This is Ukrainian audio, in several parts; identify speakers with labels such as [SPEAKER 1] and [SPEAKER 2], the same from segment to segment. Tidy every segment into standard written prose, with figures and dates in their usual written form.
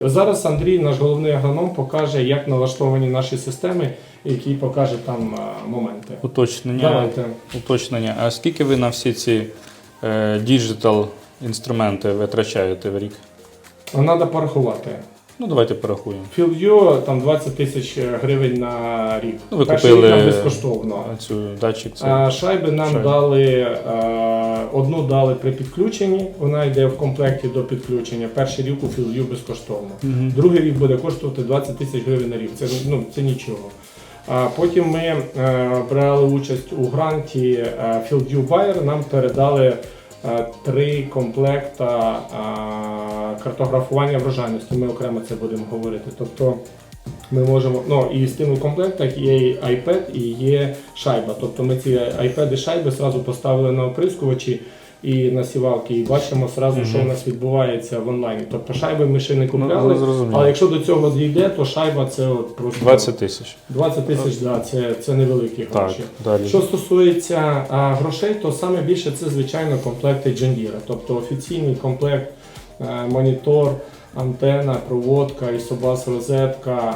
[SPEAKER 1] Зараз Андрій, наш головний агроном, покаже, як налаштовані наші системи, який покаже там моменти.
[SPEAKER 2] Уточнення. А скільки ви на всі ці діджитал інструменти витрачаєте в рік?
[SPEAKER 1] Треба порахувати.
[SPEAKER 2] Ну, давайте порахуємо.
[SPEAKER 1] FieldView там 20 тисяч гривень на рік.
[SPEAKER 2] Ви
[SPEAKER 1] Перший
[SPEAKER 2] купили
[SPEAKER 1] рік нам безкоштовно.
[SPEAKER 2] Цю датчик.
[SPEAKER 1] Шайби нам дали, одну дали при підключенні, вона йде в комплекті до підключення. Перший рік у FieldView безкоштовно. Другий рік буде коштувати 20 тисяч гривень на рік. Це нічого. Потім ми брали участь у гранті FieldView Bayer, нам передали 3 комплекта картографування врожайності. Ми окремо це будемо говорити. Тобто ми можемо, і з тим у комплектах є iPad і є шайба. Тобто ми ці iPad і шайби одразу поставили на оприскувачі і на сівалки, і бачимо одразу, що у нас відбувається в онлайні. Тобто шайби ми ще не купляли, але якщо до цього дійде, то шайба це просто
[SPEAKER 2] 20 тисяч.
[SPEAKER 1] 20 тисяч, да, це невеликі гроші.
[SPEAKER 2] Далі.
[SPEAKER 1] Що стосується грошей, то саме більше це, звичайно, комплекти John Deere. Тобто офіційний комплект, монітор, антена, проводка, Isobus розетка,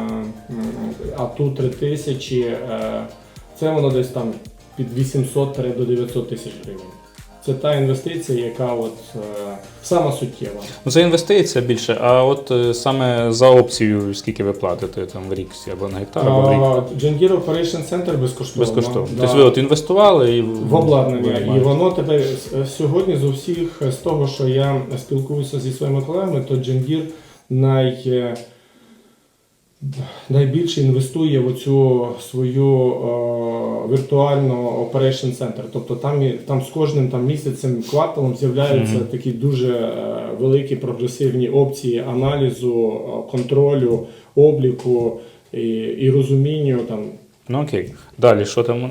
[SPEAKER 1] ATU 3000, це воно десь там від 800 до 900 тисяч гривень. Це та інвестиція, яка сама суттєва.
[SPEAKER 2] Це інвестиція більше, а от саме за опцію, скільки ви платите там в рік, або на гектар, або в рік?
[SPEAKER 1] John Deere Operation Center безкоштовно.
[SPEAKER 2] Безкоштовно.
[SPEAKER 1] Да.
[SPEAKER 2] Тобто ви інвестували
[SPEAKER 1] в обладнання. І воно тепер сьогодні з того, що я спілкуюся зі своїми колегами, то John Deere найбільше інвестує в оцю свою віртуальну Operation Center. Тобто там з кожним місяцем, кварталом з'являються такі дуже великі прогресивні опції аналізу, контролю, обліку і розумінню.
[SPEAKER 2] Окей. Далі, що там?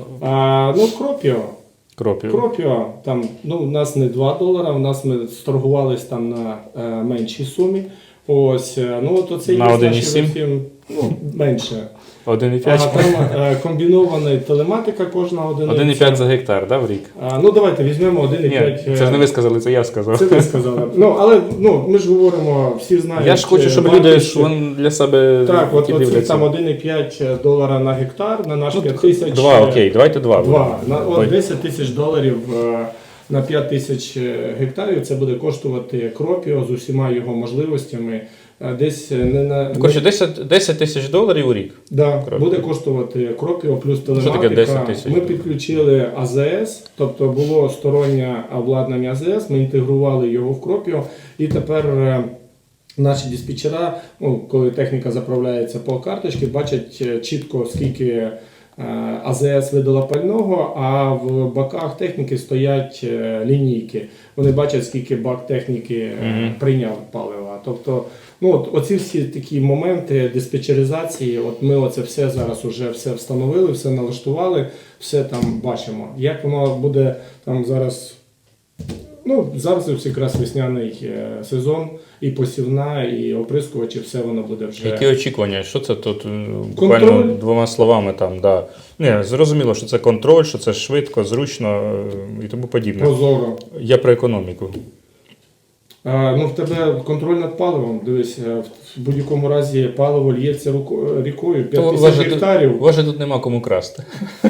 [SPEAKER 1] Кропіо. У нас не $2, у нас ми сторгувались там на меншій сумі. Оце
[SPEAKER 2] на 1,7?
[SPEAKER 1] Менше.
[SPEAKER 2] 1,5?
[SPEAKER 1] Там комбінована телематика кожна одиниця.
[SPEAKER 2] 1,5 за гектар, да, в рік?
[SPEAKER 1] Давайте візьмемо 1,5.
[SPEAKER 2] Ні, це ж не ви сказали, це я сказав.
[SPEAKER 1] Це ви сказали. Але ми ж говоримо, всі знають.
[SPEAKER 2] Я ж хочу, щоб люди для себе
[SPEAKER 1] оці там $1,5 на гектар, на наш 5 тисяч.
[SPEAKER 2] 2, окей, давайте 2.
[SPEAKER 1] 10 тисяч доларів на 5 тисяч гектарів це буде коштувати Кропіо з усіма його можливостями. Десь
[SPEAKER 2] 10 тисяч доларів у рік?
[SPEAKER 1] Да, буде коштувати Кропіо плюс телематика.
[SPEAKER 2] Що таке 10 тисяч?
[SPEAKER 1] Ми підключили АЗС, тобто було стороннє обладнання АЗС, ми інтегрували його в Кропіо, і тепер наші диспетчера, коли техніка заправляється по карточці, бачать чітко, скільки АЗС видала пального, а в баках техніки стоять лінійки. Вони бачать, скільки бак техніки прийняв палива. Тобто, оці всі такі моменти диспетчеризації, ми оце все зараз уже все встановили, все налаштували, все там бачимо. Як воно буде там зараз, зараз ось якраз весняний сезон, і посівна, і оприскувачі, все воно буде вже.
[SPEAKER 2] Які очікування? Що це тут? Буквально двома словами там, да. Зрозуміло, що це контроль, що це швидко, зручно і тому подібне.
[SPEAKER 1] Прозоро.
[SPEAKER 2] Я про економіку.
[SPEAKER 1] В тебе контроль над паливом. Дивись, в будь-якому разі паливо л'ється рікою, 5 тисяч гектарів.
[SPEAKER 2] У вас же тут нема кому красти.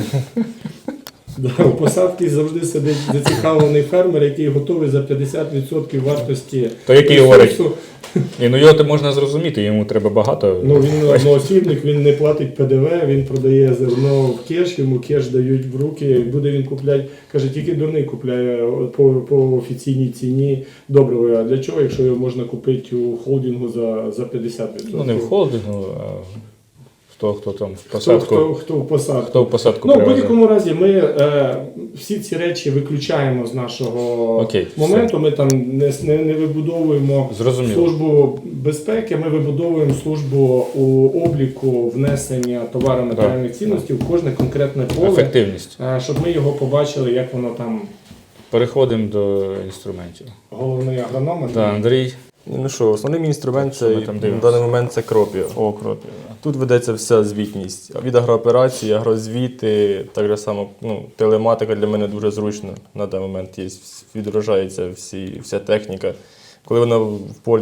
[SPEAKER 1] У посадці завжди сидить зацікавлений фермер, який готовий за 50% вартості.
[SPEAKER 2] То який говорить? Його можна зрозуміти, йому треба багато.
[SPEAKER 1] Він одноосібник, він не платить ПДВ, він продає зерно в кеш, йому кеш дають в руки, буде він купляти, каже, тільки дурний купляє по офіційній ціні добриво. А для чого, якщо його можна купити у холдингу за 50%?
[SPEAKER 2] Не в холдингу, а хто там в посадку.
[SPEAKER 1] Хто в посадку.
[SPEAKER 2] Хто в посадку
[SPEAKER 1] в будь-якому разі ми всі ці речі виключаємо з нашого моменту. Ми там не вибудовуємо службу безпеки, ми вибудовуємо службу у обліку внесення товару матеріальних цінностей в кожне конкретне поле.
[SPEAKER 2] Ефективність.
[SPEAKER 1] Щоб ми його побачили, як воно там.
[SPEAKER 2] Переходимо до інструментів.
[SPEAKER 1] Головний агроном.
[SPEAKER 2] Андрій.
[SPEAKER 3] Основний інструмент на даний момент це Кропіо.
[SPEAKER 2] Кропіо.
[SPEAKER 3] Тут ведеться вся звітність. Від агрооперації, агрозвіти, так само телематика для мене дуже зручно. На даний момент відображається вся техніка. Коли вона в полі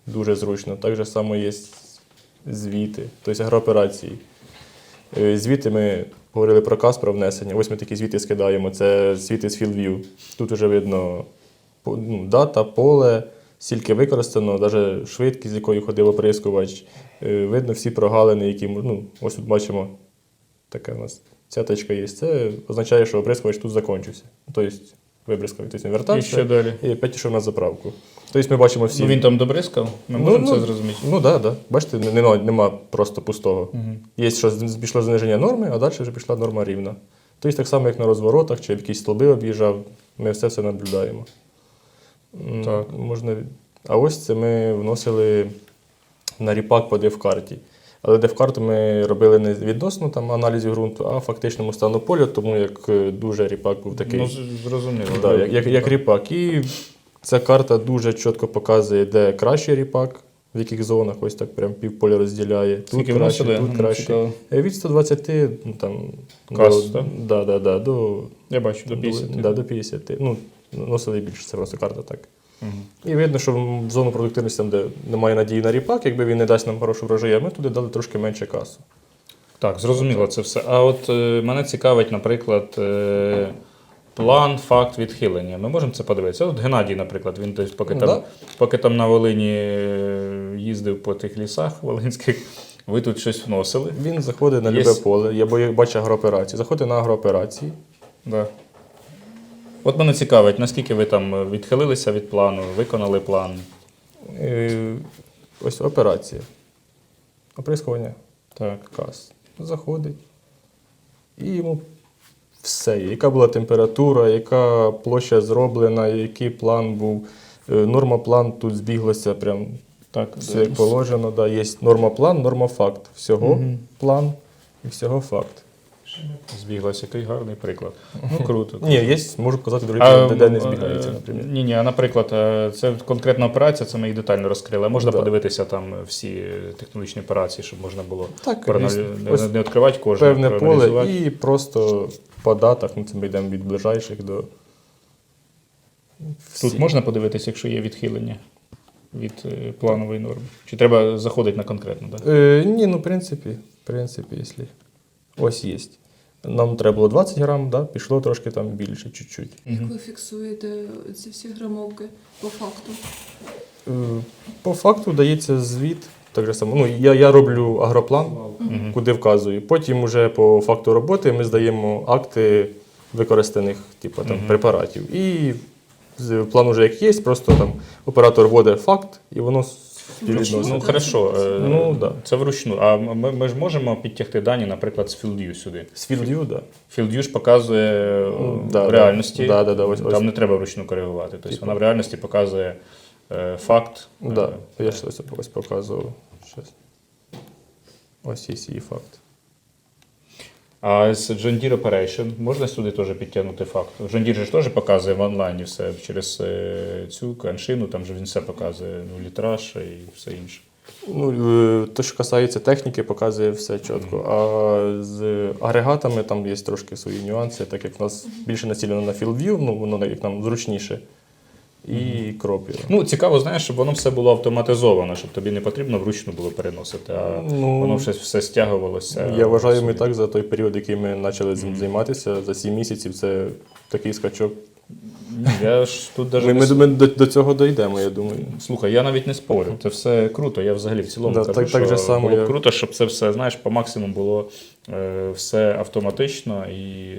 [SPEAKER 3] дуже зручно. Так же само є звіти, тобто агрооперації. Звіти ми говорили про КАС, про внесення. Ось ми такі звіти скидаємо. Це звіти з FieldView. Тут вже видно дата, поле, скільки використано, навіть швидкість, з якою ходив оприскувач. Видно всі прогалини, які ось тут бачимо, така у нас цяточка є. Це означає, що оприскувач тут закінчився. Тобто вибризкав, тобто він
[SPEAKER 2] І
[SPEAKER 3] вертався
[SPEAKER 2] що далі?
[SPEAKER 3] і опять пішов на заправку. Тобто ми бачимо всі.
[SPEAKER 2] Він там добризкав? Ми можемо це зрозуміти?
[SPEAKER 3] Ну так, да. Бачите, нема просто пустого. Є, що пішло зниження норми, а далі вже пішла норма рівна. Тобто так само, як на розворотах, чи якісь столби об'їжджав, ми все наблюдаємо.
[SPEAKER 2] Так.
[SPEAKER 3] А ось це ми вносили на ріпак по дефкарті. Але дефкарту ми робили не відносно там, аналізів ґрунту, а фактичному стану поля, тому як дуже ріпак був такий.
[SPEAKER 2] Ну, зрозуміло.
[SPEAKER 3] Да, як ріпак. І ця карта дуже чітко показує, де кращий ріпак, в яких зонах, ось так прям півполя розділяє. Тут
[SPEAKER 2] Скільки
[SPEAKER 3] краще,
[SPEAKER 2] вносили?
[SPEAKER 3] тут краще.
[SPEAKER 2] Цікаво.
[SPEAKER 3] Від 120 там,
[SPEAKER 2] Кас,
[SPEAKER 3] до,
[SPEAKER 2] так?
[SPEAKER 3] до,
[SPEAKER 2] Я бачу, до 50.
[SPEAKER 3] до 50. Ну, носили більше, це просто карта так. І видно, що в зону продуктивності, там, де немає надії на ріпак, якби він не дасть нам хорошу врожаю, ми туди дали трошки менше касу.
[SPEAKER 2] Так, зрозуміло це все. А от мене цікавить, наприклад, план, факт відхилення. Ми можемо це подивитися? От Геннадій, наприклад, він десь поки там на Волині їздив по тих лісах волинських, ви тут щось вносили.
[SPEAKER 3] Він заходить на любе поле, я бачу агрооперації, заходить на агрооперації.
[SPEAKER 2] Да. От мене цікавить, наскільки ви там відхилилися від плану, виконали план?
[SPEAKER 3] Ось операція. Оприскування.
[SPEAKER 2] Так.
[SPEAKER 3] Кас. Заходить. І йому все. Яка була температура, яка площа зроблена, який план був. Норма-план тут збіглося прям
[SPEAKER 2] Так,
[SPEAKER 3] все як положено. Да. Є норма-план, норма-факт. Всього план і всього факт.
[SPEAKER 2] Збіглася, який гарний приклад. Ну, круто.
[SPEAKER 3] Ні, є, можу показати другі, де не збігається, наприклад.
[SPEAKER 2] Ні, а наприклад, це конкретна операція, це ми її детально розкрили. А можна подивитися там всі технологічні операції, щоб можна було не відкривати кожну,
[SPEAKER 3] певне поле і просто по датах, це ми йдемо від ближайших до всіх.
[SPEAKER 2] Тут можна подивитися, якщо є відхилення від планової норми? Чи треба заходити на конкретно? Так?
[SPEAKER 3] Ні, в принципі, якщо ось є. Нам треба було 20 грам, да? Пішло трошки там більше, чуть-чуть.
[SPEAKER 4] Як ви фіксуєте ці всі грамовки по факту?
[SPEAKER 3] По факту дається звіт. Так же само. Я роблю агроплан, куди вказую. Потім вже по факту роботи ми здаємо акти використаних препаратів. І план вже як є, просто там оператор вводить факт і воно співвідносно.
[SPEAKER 2] Ну, хорошо.
[SPEAKER 3] Да.
[SPEAKER 2] Це вручну. А ми ж можемо підтягти дані, наприклад, з FieldView сюди?
[SPEAKER 3] З FieldView, так.
[SPEAKER 2] FieldView ж показує в реальності.
[SPEAKER 3] Ось.
[SPEAKER 2] Там не треба вручну коригувати. Тобто вона в реальності показує факт.
[SPEAKER 3] Так, я ж ось показував. Ось є її факт.
[SPEAKER 2] А з John Deere Operation можна сюди теж підтягнути факт? John Deere ж теж показує в онлайні все через цю каншину, там же він все показує, літраж і все інше.
[SPEAKER 3] Те, що касається техніки, показує все чітко. А з агрегатами там є трошки свої нюанси, так як в нас більше націлено на FieldView, воно як нам зручніше. І кропі.
[SPEAKER 2] Цікаво, знаєш, щоб воно все було автоматизовано, щоб тобі не потрібно вручну було переносити, а воно все стягувалося.
[SPEAKER 3] Я вважаю, ми так за той період, який ми почали цим займатися, за 7 місяців, це такий скачок.
[SPEAKER 2] Я ж тут даже
[SPEAKER 3] ми до цього дійдемо, я думаю.
[SPEAKER 2] Слухай, я навіть не спорю, це все круто, я взагалі в цілому кажу,
[SPEAKER 3] так же
[SPEAKER 2] що
[SPEAKER 3] само
[SPEAKER 2] було б круто, щоб це все, знаєш, по максимуму було все автоматично і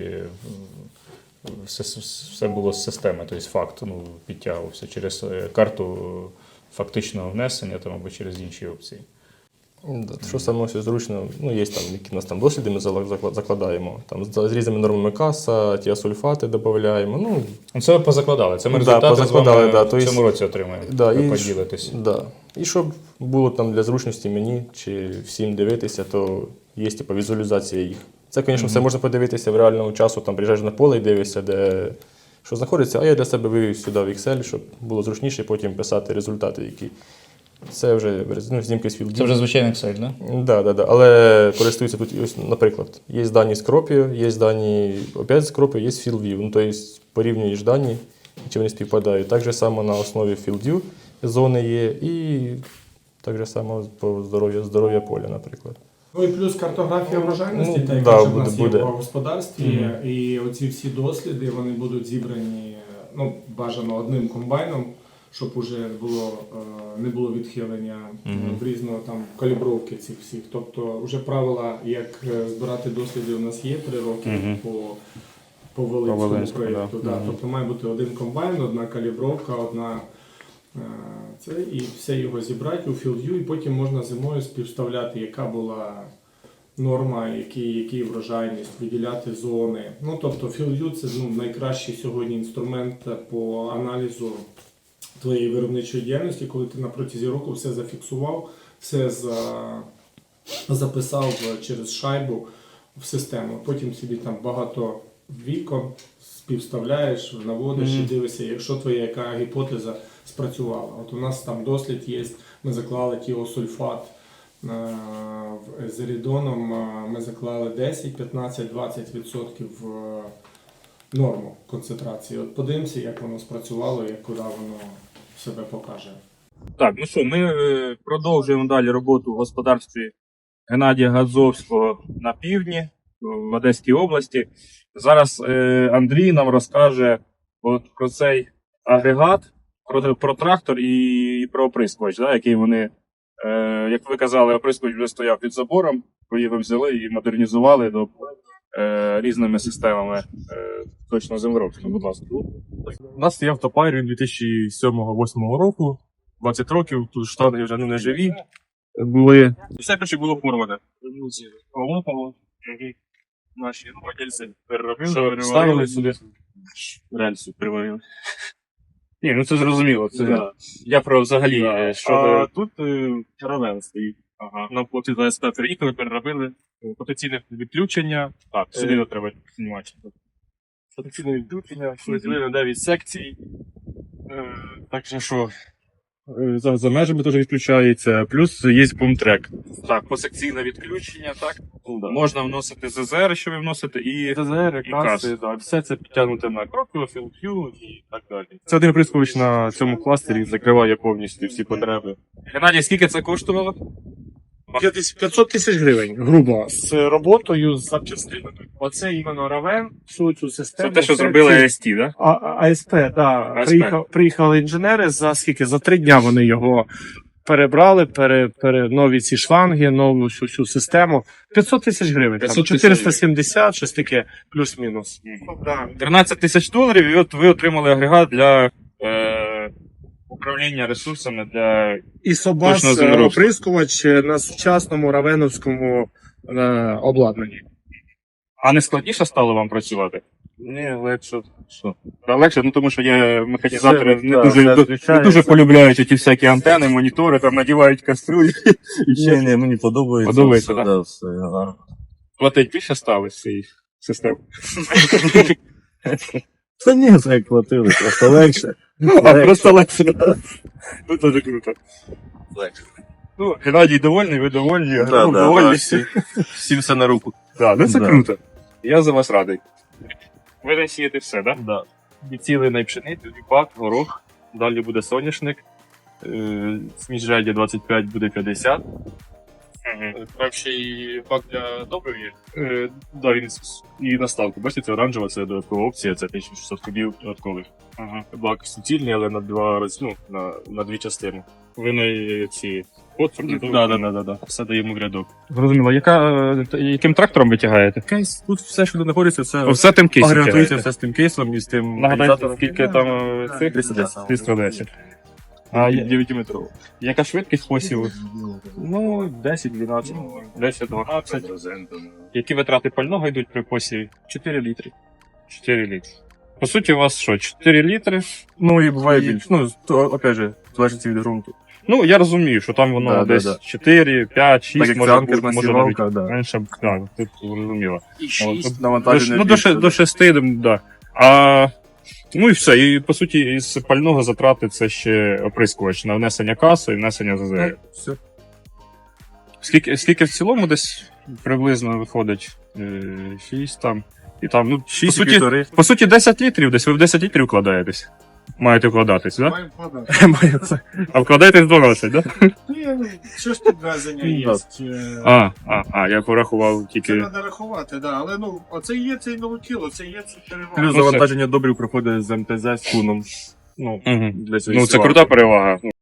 [SPEAKER 2] все було з системи, тобто факт підтягувався через карту фактичного внесення там, або через інші опції.
[SPEAKER 3] Що саме все зручно, є там, які у нас там досліди, ми закладаємо, там, з різними нормами каса, тіасульфати додаємо.
[SPEAKER 2] Це ви позакладали, це ми результати з вами в цьому році отримаємо, ви поділитесь.
[SPEAKER 3] І щоб було там для зручності мені чи всім дивитися, то є візуалізація їх. Це, звісно, все можна подивитися в реальному часу, там приїжджаєш на поле і дивишся, де що знаходиться, а я для себе вивів сюди в Excel, щоб було зручніше потім писати результати, які. Це вже знімки з FieldView.
[SPEAKER 2] Це вже звичайний Excel, так?
[SPEAKER 3] Так. Але користуються тут, ось, наприклад, є дані з Cropio, є дані опять з Cropio, є з FieldView. Тобто порівнюєш дані, чи вони співпадають. Так же само на основі FieldView зони є, і Так же само по здоров'я поля, наприклад.
[SPEAKER 1] Ну і плюс картографія врожайності,
[SPEAKER 3] Ну,
[SPEAKER 1] та яка
[SPEAKER 3] да,
[SPEAKER 1] вже в нас
[SPEAKER 3] буде.
[SPEAKER 1] є в господарстві. І оці всі досліди вони будуть зібрані бажано одним комбайном, щоб уже не було відхилення в різного там калібровки цих всіх. Тобто вже правила, як збирати досліди, у нас є 3 роки по Волинському
[SPEAKER 2] Волинську,
[SPEAKER 1] проєкту.
[SPEAKER 2] да.
[SPEAKER 1] Да. Тобто має бути один комбайн, одна калібровка, і все його зібрати у FieldView, і потім можна зимою співставляти, яка була норма, який врожайність, виділяти зони. Ну, тобто FieldView – це найкращий сьогодні інструмент по аналізу твоєї виробничої діяльності, коли ти на протязі року все зафіксував, все записав через шайбу в систему. Потім собі там багато вікон співставляєш, наводиш і дивишся, якщо твоя яка гіпотеза спрацювала. От у нас там дослід є, ми заклали тіосульфат з ерідоном, ми заклали 10, 15, 20% норму концентрації. От подивимося, як воно спрацювало і куди воно себе покаже.
[SPEAKER 2] Так, ну що, ми продовжуємо далі роботу в господарстві Геннадія Гадзовського на півдні, в Одеській області. Зараз Андрій нам розкаже от про цей агрегат, про трактор і про оприскувач, да, який вони, як ви казали, оприскувач вже стояв під забором, ви його взяли і модернізували до різними системами точно землеробства. Будь ласка.
[SPEAKER 3] У нас є автопайр 2007-2008 року, 20 років, тут штани вже не живі були. Все коротше було порване. Полопало. Наші владельці переробили, ставили сюди. Рельсу приварили.
[SPEAKER 2] Ні, ну це зрозуміло. Це я про взагалі, що
[SPEAKER 3] А
[SPEAKER 2] ви...
[SPEAKER 3] тут равен стоїть.
[SPEAKER 2] Ага.
[SPEAKER 3] Нам хлопці за СП приїхали, переробили потенційне відключення.
[SPEAKER 2] Так,
[SPEAKER 3] Сюди не треба знімати. Потенційне відключення, розділили на 9 секцій. Так що за межами теж відключається, плюс є бумтрек.
[SPEAKER 2] Так, посекційне відключення, так?
[SPEAKER 3] Да.
[SPEAKER 2] Можна вносити ЗЗР, що ви вносите, і
[SPEAKER 3] ТЗР,
[SPEAKER 2] і
[SPEAKER 3] каси, да, все це підтягнуте на Кроквіл, FieldView і так далі. Це один оприскувач на цьому кластері закриває повністю всі потреби.
[SPEAKER 2] Геннадій, скільки це коштувало?
[SPEAKER 5] 500 тисяч гривень, грубо, з роботою, з запчастинами. Оце іменно Равен, всю цю систему.
[SPEAKER 2] Це те, що
[SPEAKER 5] все
[SPEAKER 2] зробили
[SPEAKER 5] ці-
[SPEAKER 2] АСТ, так?
[SPEAKER 5] АСП, так.
[SPEAKER 2] АСП.
[SPEAKER 5] Приїхали інженери за скільки? За 3 дня вони його перебрали, нові ці шланги, нову всю систему. 500 тисяч гривень.
[SPEAKER 2] 500
[SPEAKER 5] Там,
[SPEAKER 2] тисяч
[SPEAKER 5] 470, щось таке, плюс-мінус. Да.
[SPEAKER 2] 13 тисяч доларів, і от ви отримали агрегат для управління ресурсами для...
[SPEAKER 5] І Собас
[SPEAKER 2] Точно землеробство.
[SPEAKER 5] оприскувач на сучасному равеновському обладнанні.
[SPEAKER 2] А не складніше стало вам працювати?
[SPEAKER 3] Ні, легше.
[SPEAKER 2] Що? Та легше, ну тому що є механізатори,
[SPEAKER 3] Все,
[SPEAKER 2] не
[SPEAKER 3] так,
[SPEAKER 2] дуже,
[SPEAKER 3] все
[SPEAKER 2] не
[SPEAKER 3] зустрічається.
[SPEAKER 2] дуже полюбляють ті всякі антени, монітори, там надівають каструлі.
[SPEAKER 6] Ні, мені подобається.
[SPEAKER 2] Подобається,
[SPEAKER 6] все,
[SPEAKER 2] да?
[SPEAKER 6] да, все гарно.
[SPEAKER 2] Платить більше стали з цієї системи.
[SPEAKER 6] Та ні, це як платили, просто легше.
[SPEAKER 2] А, просто легше. Ну, дуже круто. Ну, Геннадій довольний, ви довольні, Григорій довольний.
[SPEAKER 3] Всім все на руку.
[SPEAKER 2] Так, ну це
[SPEAKER 6] Да.
[SPEAKER 2] круто. Я за вас радий. Ви не сієте все, так?
[SPEAKER 3] Да. Відцілена пшеницю, ріпак, горох. Далі буде соняшник. Сміжжадя 25 буде 50. Там ще і бак для добрив є. Да, він і наставку. Бачите, це оранжева, це додаткова опція, це 1600 кубів додаткових.
[SPEAKER 2] Ага.
[SPEAKER 3] Бак суцільний, але на на 2 частини.
[SPEAKER 2] Ви на ці отвори?
[SPEAKER 3] Да. Все даємо в рядок.
[SPEAKER 2] Зрозуміло. Яким трактором ви тягаєте?
[SPEAKER 3] Кейс, тут все, що знаходиться, це
[SPEAKER 2] Все тим кейсом
[SPEAKER 3] агрегатується
[SPEAKER 2] тягаєте.
[SPEAKER 3] все з тим кейсом і з тим
[SPEAKER 2] Нагадайте,
[SPEAKER 3] реалізатором.
[SPEAKER 2] скільки там цих?
[SPEAKER 3] 310.
[SPEAKER 2] 310. А
[SPEAKER 3] 9 метров.
[SPEAKER 2] яка швидкість посіву?
[SPEAKER 3] Ну, 10-12.
[SPEAKER 2] 10-12. Які витрати пального йдуть при посіві?
[SPEAKER 3] 4 літри.
[SPEAKER 2] 4 літри. По суті, у вас що, 4 літри?
[SPEAKER 3] Ну і буває більше. Ну, то, опять же, залежить від ґрунту.
[SPEAKER 2] Ну, я розумію, що там воно
[SPEAKER 3] Да,
[SPEAKER 2] десь
[SPEAKER 3] да.
[SPEAKER 2] 4, 5, 6,
[SPEAKER 3] Так як
[SPEAKER 2] може
[SPEAKER 3] це
[SPEAKER 2] бути,
[SPEAKER 3] анкерна
[SPEAKER 2] може навіть
[SPEAKER 3] сівалка, да.
[SPEAKER 2] менше. Так, тут зрозуміло.
[SPEAKER 3] Тут навантаження
[SPEAKER 2] До 6, да. А, ну і все. І по суті, із пального затрати це ще оприскувач на внесення каси і внесення ЗЗР.
[SPEAKER 3] Все.
[SPEAKER 2] Скільки в цілому десь приблизно виходить? 6 там. І там, ну,
[SPEAKER 3] 6,5.
[SPEAKER 2] по суті, 10 літрів десь, ви в 10 літрів вкладаєтесь. Маєте вкладатись, так?
[SPEAKER 5] Маємо вкладати.
[SPEAKER 2] А вкладаєтесь дорожче, так?
[SPEAKER 5] Ні, що ж підвезення є.
[SPEAKER 2] Я порахував
[SPEAKER 5] Це
[SPEAKER 2] тільки.
[SPEAKER 5] треба рахувати, да. Але ну, оце є цей наутіло, це є це перевага.
[SPEAKER 3] Плюс завантаження добрив проходить з МТЗ з куном. Ну,
[SPEAKER 2] Мгм.
[SPEAKER 3] для цієї
[SPEAKER 2] Ну, це
[SPEAKER 3] сварки.
[SPEAKER 2] крута перевага.